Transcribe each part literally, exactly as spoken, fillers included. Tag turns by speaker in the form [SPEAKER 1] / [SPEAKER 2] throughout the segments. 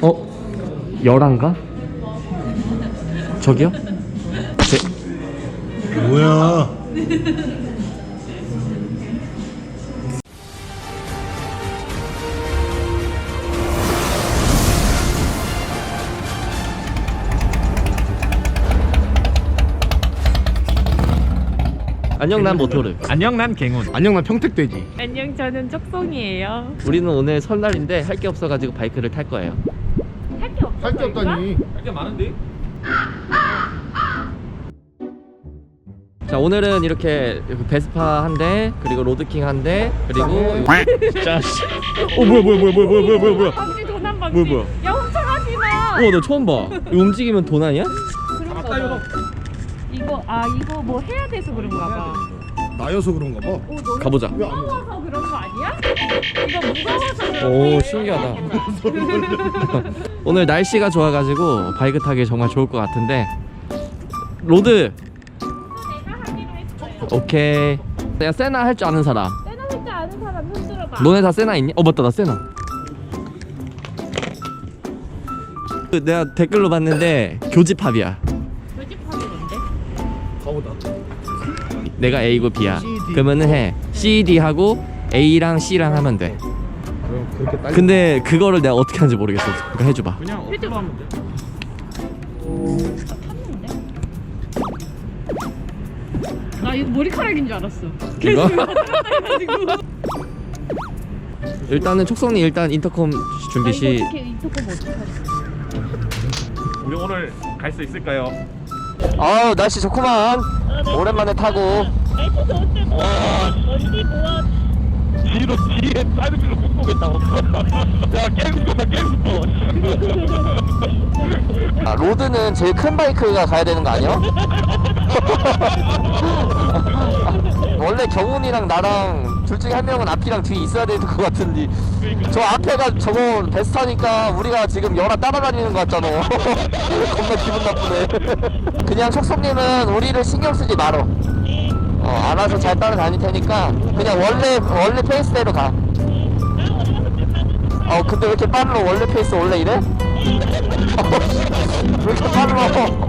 [SPEAKER 1] 어? 열한가? 저기요? 제...
[SPEAKER 2] 뭐야?
[SPEAKER 1] 안녕, 난 모토르.
[SPEAKER 3] 안녕, 난 갱훈.
[SPEAKER 2] 안녕, 난 평택돼지.
[SPEAKER 4] 안녕, 저는 쪽송이에요.
[SPEAKER 1] 우리는 오늘 설날인데 할 게 없어가지고 바이크를 탈 거예요.
[SPEAKER 4] 할 게 없어.
[SPEAKER 2] 할 게 없다니.
[SPEAKER 3] 할 게 많은데?
[SPEAKER 1] 자, 오늘은 이렇게 베스파 한 대, 그리고 로드킹 한 대, 그리고
[SPEAKER 3] 진짜. 어, 뭐야, 뭐야, 뭐야, 뭐야, 뭐야, 뭐야, 뭐야.
[SPEAKER 4] 방지 도난 방지.
[SPEAKER 1] 뭐야, 뭐야.
[SPEAKER 4] 야, 훔쳐가지 마.
[SPEAKER 1] 우와, 너 처음 봐. 이거 움직이면 도난이야?
[SPEAKER 4] 그런가 봐. 이거 아 이거 뭐 해야 돼서 그런가 봐.
[SPEAKER 2] 나여서 그런가 봐.
[SPEAKER 4] 오, 너무
[SPEAKER 1] 가보자.
[SPEAKER 4] 무거워서 그런 거 아니야? 이거 무거워서 그런
[SPEAKER 1] 오,
[SPEAKER 4] 거예요.
[SPEAKER 1] 신기하다. 오늘 날씨가 좋아가지고 바이크 타기 정말 좋을 것 같은데. 로드.
[SPEAKER 4] 내가 하기로 했어요.
[SPEAKER 1] 오케이. 내가 세나 할 줄 아는 사람.
[SPEAKER 4] 세나 할줄 아는 사람 손 들어봐.
[SPEAKER 1] 너네 다 세나 있니? 어, 맞다, 나 세나. 그 내가 댓글로 봤는데 교집합이야.
[SPEAKER 4] 교집합이 뭔데?
[SPEAKER 2] 가보다.
[SPEAKER 1] 내가 A고 B야.
[SPEAKER 2] C, D.
[SPEAKER 1] 그러면은 해 C, D 하고 A랑 C랑 하면 돼.
[SPEAKER 2] 그럼 그렇게 딸.
[SPEAKER 1] 근데 그거를 내가 어떻게 하는지 모르겠어. 그러니까 해줘봐.
[SPEAKER 3] 그냥 어플로 하면 돼.
[SPEAKER 4] 탔는데? 나 이거 머리카락인 줄 알았어.
[SPEAKER 1] 이거?
[SPEAKER 4] 해가지고.
[SPEAKER 1] 일단은 촉성이 일단 인터컴 준비
[SPEAKER 4] 아,
[SPEAKER 1] 시.
[SPEAKER 4] 이거 어떻게 인터콤 어떻게 하지?
[SPEAKER 3] 우리 오늘 갈 수 있을까요?
[SPEAKER 1] 아우, 날씨 좋구만. 오랜만에 타고.
[SPEAKER 4] 날씨 좋을 때 뭐? 언니 뭐?
[SPEAKER 3] 뒤로 뒤에 사이드미러 못 보겠다고. 야, 깨고 싶다, 깨고 싶어.
[SPEAKER 1] 아, 로드는 제일 큰 바이크가 가야 되는 거 아니야? 원래 경훈이랑 나랑 둘 중에 한 명은 앞이랑 뒤에 있어야 되는 것 같은데 저 앞에가 저거 베스타니까 우리가 지금 연하 따라다니는 것 같잖아. 겁나 기분 나쁘네. 그냥 촉성님은 우리를 신경 쓰지 말어. 어, 알아서 잘 따라다닐 테니까 그냥 원래 원래 페이스대로 가. 어, 근데 왜 이렇게 빨라? 원래 페이스 원래 이래? 왜 이렇게 빨라?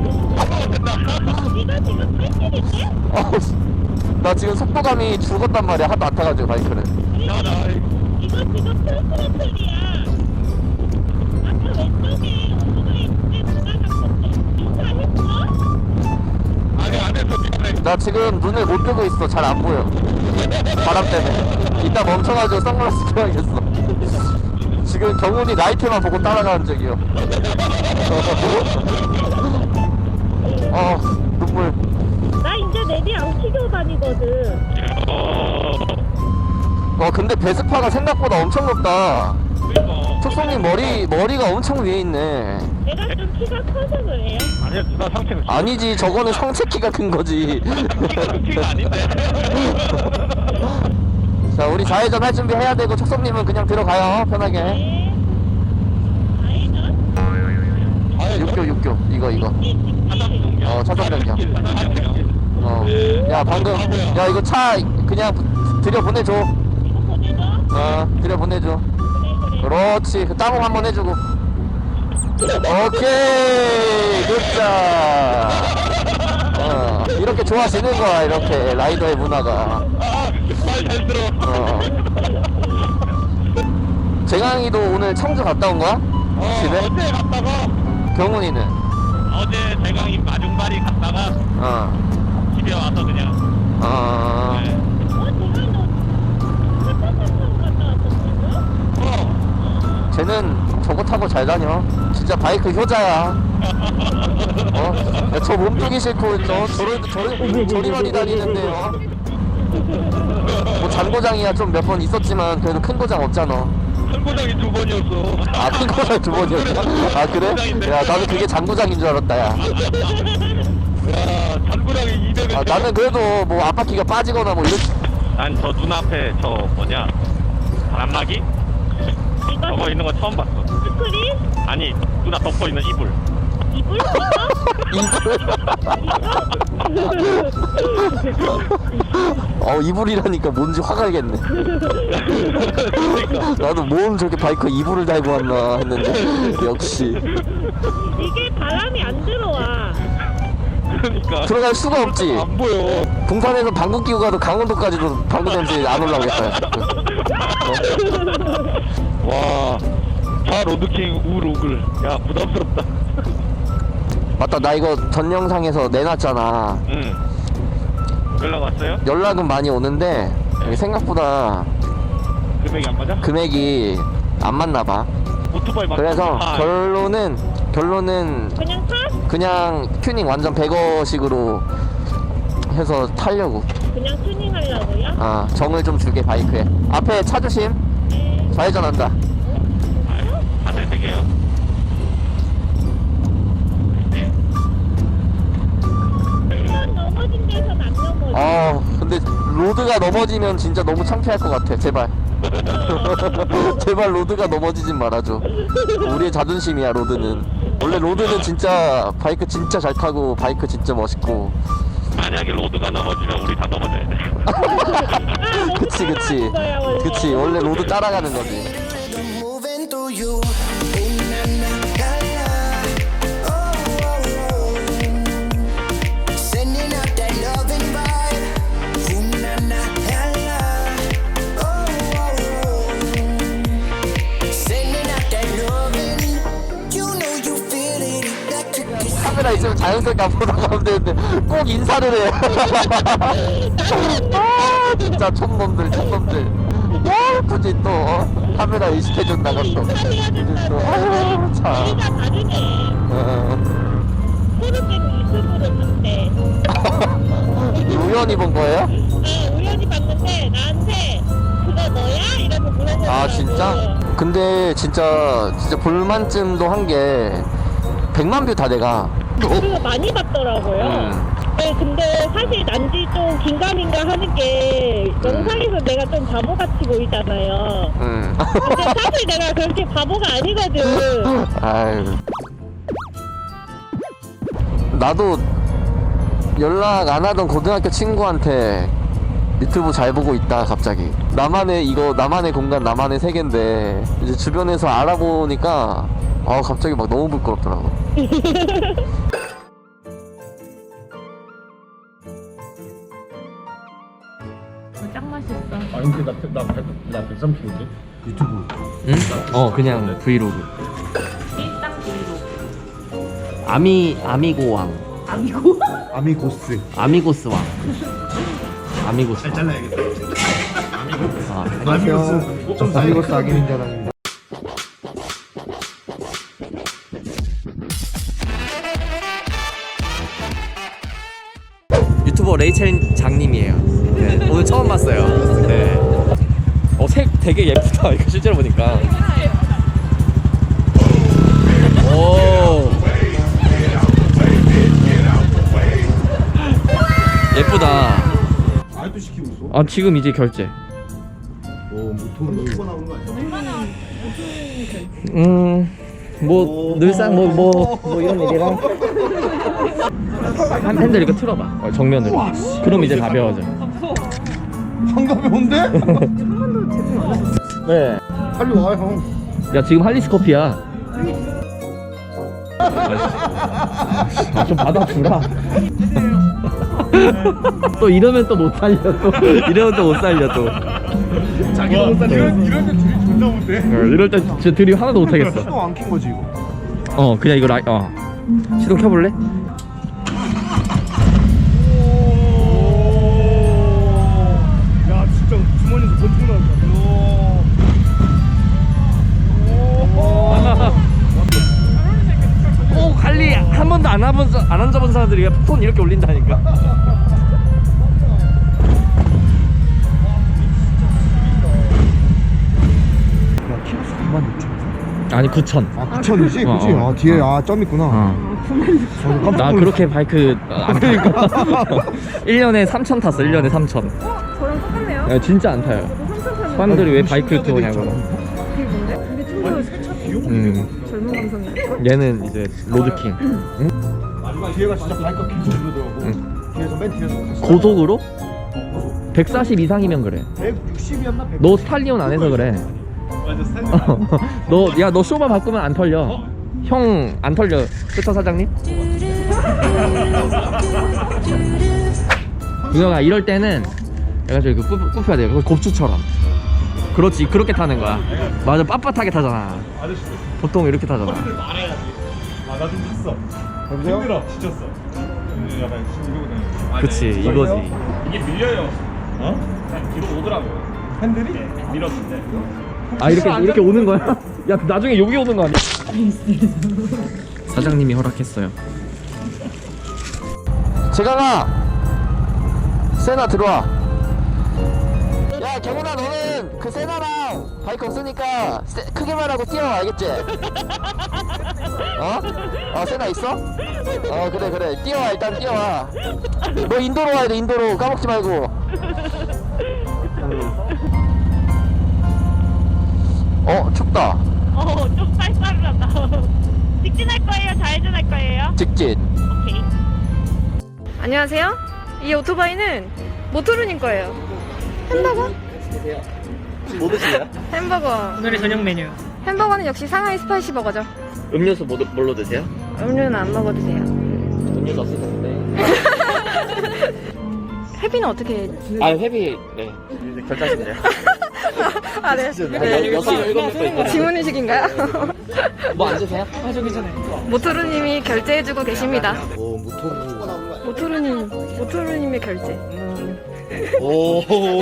[SPEAKER 1] 어, 나 지금 속도감이 죽었단 말이야. 하도 안 타가지고 바이크를.
[SPEAKER 4] 이거 지금 풀스로틀이야. 아까 왼쪽에 오토바이 있는데 누가 잡았대? 인사했어?
[SPEAKER 3] 아니, 안 했어, 미안해.
[SPEAKER 1] 나 지금 눈을 못 뜨고 있어. 잘 안 보여. 바람 때문에. 이따 멈춰가지고 선글라스 껴야겠어. 지금 경훈이 라이트만 보고 따라가는 적이요. 어, 눈물.
[SPEAKER 4] 나 이제 내비 안 키고 다니거든.
[SPEAKER 1] 어, 근데 베스파가 생각보다 엄청 높다.
[SPEAKER 3] 그러니까.
[SPEAKER 1] 촉성님 머리, 머리가 엄청 위에 있네.
[SPEAKER 4] 내가 좀 키가 커서 그래요.
[SPEAKER 3] 아니야, 누나 상태는
[SPEAKER 1] 아니지, 저거는 성체 키가 큰 거지.
[SPEAKER 3] 키가 아닌데.
[SPEAKER 1] 자, 우리 좌회전 할 준비 해야 되고 촉성님은 그냥 들어가요. 편하게.
[SPEAKER 4] 네. 아이는
[SPEAKER 1] 육교, 육교. 이거, 이거. 어, 차선 변경. 어. 야, 방금. 야, 이거 차 그냥 들여 보내줘.
[SPEAKER 4] 이거 보내줘.
[SPEAKER 1] 어, 들여 보내줘.
[SPEAKER 4] 그래 그래.
[SPEAKER 1] 그렇지. 그 따봉 한번 해주고. 오케이. 굿자. 어, 이렇게 좋아지는 거야. 이렇게 라이더의 문화가.
[SPEAKER 3] 말잘 들어.
[SPEAKER 1] 어. 재강이도 오늘 청주 갔다 온 거야?
[SPEAKER 3] 어,
[SPEAKER 1] 집에?
[SPEAKER 3] 어제 갔다가
[SPEAKER 1] 경훈이는?
[SPEAKER 3] 어제 대강이 마중발이 갔다가
[SPEAKER 1] 어.
[SPEAKER 3] 집에 와서 그냥.
[SPEAKER 1] 어.
[SPEAKER 3] 네.
[SPEAKER 4] 어, 정말 너 핫핫핫 갔다 왔었어?
[SPEAKER 3] 어.
[SPEAKER 1] 쟤는 저거 타고 잘 다녀. 진짜 바이크 효자야. 어? 야, 저 몸뚱이 싫고 저 저리 저리 저리 많이 다니는데요. 뭐 잔고장이야 좀 몇 번 있었지만 그래도 큰 고장 없잖아.
[SPEAKER 3] 큰 고장이 두 번이었어.
[SPEAKER 1] 아, 큰 고장 두 번이었나? 아, 그래? 야, 나는 그게 잔고장인 줄 알았다, 야.
[SPEAKER 3] 야, 잔고장이 이백을.
[SPEAKER 1] 아, 나는 그래도 뭐 앞바퀴가 빠지거나 뭐 이런.
[SPEAKER 3] 난 저 눈앞에 저 뭐냐 바람막이?
[SPEAKER 4] 이거
[SPEAKER 3] 저거 있는 거 처음 봤어.
[SPEAKER 4] 스크린?
[SPEAKER 3] 아니 누나 덮고 있는 이불.
[SPEAKER 4] 이불?
[SPEAKER 1] 어 이불이라니까 뭔지 화가 나겠네. 나도 뭔 저렇게 바이크에 이불을 달고 왔나 했는데 역시
[SPEAKER 4] 이게 바람이 안 들어와.
[SPEAKER 3] 그러니까
[SPEAKER 1] 들어갈 수가 없지.
[SPEAKER 3] 안 보여.
[SPEAKER 1] 동산에서 방구 끼고 가도 강원도까지도 방구 냄새 안 올라오겠다.
[SPEAKER 3] 와, 다 로드킹 우로글. 야, 부담스럽다.
[SPEAKER 1] 맞다, 나 이거 전 영상에서 내놨잖아.
[SPEAKER 3] 응. 연락 왔어요?
[SPEAKER 1] 연락은 많이 오는데 이게 생각보다
[SPEAKER 3] 금액이 안 맞아?
[SPEAKER 1] 금액이 안 맞나 봐.
[SPEAKER 3] 오토바이 막.
[SPEAKER 1] 그래서
[SPEAKER 3] 아,
[SPEAKER 1] 결론은 결론은
[SPEAKER 4] 그냥 타?
[SPEAKER 1] 그냥 튜닝 완전 백어식으로 해서 타려고.
[SPEAKER 4] 그냥 튜닝 하려고요?
[SPEAKER 1] 아, 정을 좀 줄게 바이크에. 앞에 차 조심.
[SPEAKER 4] 네.
[SPEAKER 1] 좌회전한다.
[SPEAKER 3] 안될 되게요.
[SPEAKER 4] 한번 넘어진 데선 안 넘어져.
[SPEAKER 1] 아, 근데 로드가 넘어지면 진짜 너무 창피할 것 같아. 제발. 제발 로드가 넘어지진 말아줘. 우리의 자존심이야 로드는. 원래 로드는 진짜 바이크 진짜 잘 타고 바이크 진짜 멋있고.
[SPEAKER 3] 만약에 로드가 넘어지면 우리 다 넘어져야 돼.
[SPEAKER 4] 아,
[SPEAKER 1] 그치 그치
[SPEAKER 4] 거야, 원래.
[SPEAKER 1] 그치 원래 로드 따라가는 거지.
[SPEAKER 5] moving through you. Ooh, na, na, la, la. Oh, oh, oh. Sending out that loving vibe. Ooh, na, na, la, la. Oh, oh, oh. Sending out that loving. You know you feel it. Electric is
[SPEAKER 1] 카메라 있으면 자연스럽게 앞으로 나가면 되는데 꼭 인사를 해. 아 진짜 촌놈들 촌놈들. 야 굳이 또 어? 카메라 의식해준 나갔어. 이제 또 아, 참.
[SPEAKER 4] 우리가 다르네.
[SPEAKER 1] 어.
[SPEAKER 4] 코르겐 유튜브를 봤대.
[SPEAKER 1] 우연히 본 거예요?
[SPEAKER 4] 네, 우연히 봤는데 나한테 그거 너야? 이러고 물어보더라고.
[SPEAKER 1] 아 진짜? 근데 진짜 진짜 볼만쯤도 한 게 백만 뷰 다 돼가.
[SPEAKER 4] 그거 많이 봤더라고요.
[SPEAKER 1] 음.
[SPEAKER 4] 네, 근데 사실 난지 좀 긴가민가 하는 게 영상에서 내가 좀 바보같이 보이잖아요.
[SPEAKER 1] 음.
[SPEAKER 4] 근데 사실 내가 그렇게 바보가 아니거든.
[SPEAKER 1] 아유. 나도 연락 안 하던 고등학교 친구한테 유튜브 잘 보고 있다 갑자기. 나만의 이거 나만의 공간 나만의 세계인데 이제 주변에서 알아보니까 아 갑자기 막 너무 부끄럽더라고.
[SPEAKER 4] 짱 맛있어.
[SPEAKER 2] 아니 근데 나나나 백삼 킬로인데 유튜브.
[SPEAKER 1] 응? 어 그냥 브이로그.
[SPEAKER 4] 일상 브이로그.
[SPEAKER 1] 아미 아미고왕.
[SPEAKER 4] 아미고?
[SPEAKER 2] 아미고스.
[SPEAKER 1] 아미고스 왕. 아미고스. 왕.
[SPEAKER 2] 잘라야겠다.
[SPEAKER 1] 아,
[SPEAKER 2] 안녕하세요. 저 아미고스 악인 자랑입니다.
[SPEAKER 1] 유튜버 레이첼 장님이에요. 네, 오늘 처음 봤어요. 네. 어, 색 되게 예쁘다. 이거 실제로 보니까. 오. 예쁘다.
[SPEAKER 2] 아직도 시키고 있어?
[SPEAKER 1] 아, 지금 이제 결제.
[SPEAKER 2] 오 모토는 이거 나오는 거 아니야?
[SPEAKER 1] 음. 뭐 늘상 뭐 뭐 뭐 이런 얘기랑 한 핸들 이거 틀어봐. 어, 정면으로. 그럼 이제 가벼워져.
[SPEAKER 2] 한가운데?
[SPEAKER 1] 네.
[SPEAKER 2] 빨리 와 형.
[SPEAKER 1] 야 지금 할리스 커피야. 아, 좀 받아주라. 또 이러면 또 못 살려. 또 이러면 또 못 살려 또.
[SPEAKER 2] 자기도 못 살려. 이런 이런 데 둘이 존나 못해.
[SPEAKER 1] 어, 이럴 때 진짜 드립 하나도 못 하겠어.
[SPEAKER 2] 또 안 킨 거지 이거.
[SPEAKER 1] 어 그냥 이거 라이 어 시동 켜볼래?
[SPEAKER 2] 야 진짜 주머니에서 번쩍 나온다.
[SPEAKER 1] 꼭 할리 한 번도 안 해본 사- 안 앉아본 사람들이 손 이렇게 올린다니까.
[SPEAKER 2] 야 키로수 구만 육천.
[SPEAKER 1] 아니 구천.
[SPEAKER 2] 아 구천이지?
[SPEAKER 1] 어,
[SPEAKER 2] 그치?
[SPEAKER 1] 어.
[SPEAKER 2] 아 뒤에 아 점 있구나.
[SPEAKER 1] 어.
[SPEAKER 2] 어, 깜짝
[SPEAKER 1] 나
[SPEAKER 2] 놀랐어.
[SPEAKER 1] 그렇게 바이크 안 타니까. 일 년에 삼천 탔어. 일 년에 삼천.
[SPEAKER 4] 저랑 똑같네요.
[SPEAKER 1] 야, 진짜 안 타요.
[SPEAKER 4] 삼천 타는
[SPEAKER 1] 사람들이 왜
[SPEAKER 2] 아,
[SPEAKER 1] 바이크
[SPEAKER 2] 신기하게
[SPEAKER 1] 타냐고.
[SPEAKER 2] 됐잖아.
[SPEAKER 4] 게 뭔데? 근데 좀 더
[SPEAKER 1] 음.
[SPEAKER 4] 젊은 것
[SPEAKER 6] 방송이에요?
[SPEAKER 1] 얘는 이제 로드킹.
[SPEAKER 2] 뒤에가 진짜 바이크 계속 이러더라고. 뒤에서 맨 뒤에서
[SPEAKER 1] 고속으로? 백사십 이상이면 그래.
[SPEAKER 2] 백육십이었나?
[SPEAKER 1] 너 스탈리온 안 해서 그래.
[SPEAKER 3] 맞아 스탠드.
[SPEAKER 1] 너, 야, 너 쇼바 바꾸면 안 털려. 형, 안 털려. 그쵸, 사장님? 유영아, 이럴 때는 내가 저기 그 굽- 굽혀야 돼. 그 곱추처럼. 그렇지, 그렇게 타는 거야. 맞아, 빳빳하게 타잖아.
[SPEAKER 3] 아저씨들
[SPEAKER 1] 보통 이렇게 타잖아.
[SPEAKER 3] 소리를 말해야지. 아나 좀 졌어.
[SPEAKER 2] 여보세요?
[SPEAKER 3] 힘들어 지쳤어. 음, 약간 이거거든. 아,
[SPEAKER 1] 그치,
[SPEAKER 3] 네.
[SPEAKER 1] 이거지.
[SPEAKER 3] 이게 밀려요. 어? 그냥 뒤로 오더라고요. 핸들이? 네, 밀었는데.
[SPEAKER 1] 아, 이렇게, 이렇게 오는 거야? 야, 나중에 여기 오는 거 아니야? 사장님이 허락했어요. 재강아! 세나 들어와. 야, 경훈아, 너는 그 세나랑 바이크 없으니까 세, 크게 말하고 뛰어, 알겠지? 어? 어, 세나 있어? 어, 그래, 그래. 뛰어와, 일단 뛰어와. 너 인도로 와야 돼, 인도로. 까먹지 말고. 어, 춥다.
[SPEAKER 4] 어, 좀 쌀쌀하다. 직진할 거예요? 좌회전할 거예요?
[SPEAKER 1] 직진.
[SPEAKER 4] 오케이.
[SPEAKER 6] 안녕하세요. 이 오토바이는 모토르님 거예요. 햄버거?
[SPEAKER 1] 뭐 드실래요?
[SPEAKER 6] 햄버거.
[SPEAKER 7] 오늘의 저녁 메뉴.
[SPEAKER 6] 햄버거는 역시 상하이 스파이시 버거죠.
[SPEAKER 1] 음료수 뭐, 뭘로 드세요?
[SPEAKER 6] 음료는 안 먹어 드세요.
[SPEAKER 1] 음료수 없으셨는데.
[SPEAKER 6] 회비는 어떻게?
[SPEAKER 1] 아, 회비, 네. 결제하시면 돼요.
[SPEAKER 6] 아 네.
[SPEAKER 1] 여- 여섯, 일곱 명 거 있거든요.
[SPEAKER 6] 지문 의식인가요?
[SPEAKER 1] 뭐 안 드세요?
[SPEAKER 7] 아, 저 괜찮아요.
[SPEAKER 6] 모토르님이 결제해주고 계십니다.
[SPEAKER 2] 오 모토로.
[SPEAKER 6] 모토르님, 모토르님의 결제.
[SPEAKER 2] 오.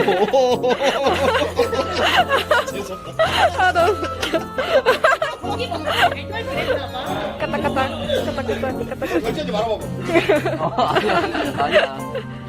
[SPEAKER 6] 아 너무 웃겨. 까딱까딱, 까딱까딱, 까딱까딱.
[SPEAKER 2] 결제하지 말아봐.
[SPEAKER 1] 아니야, 아니야.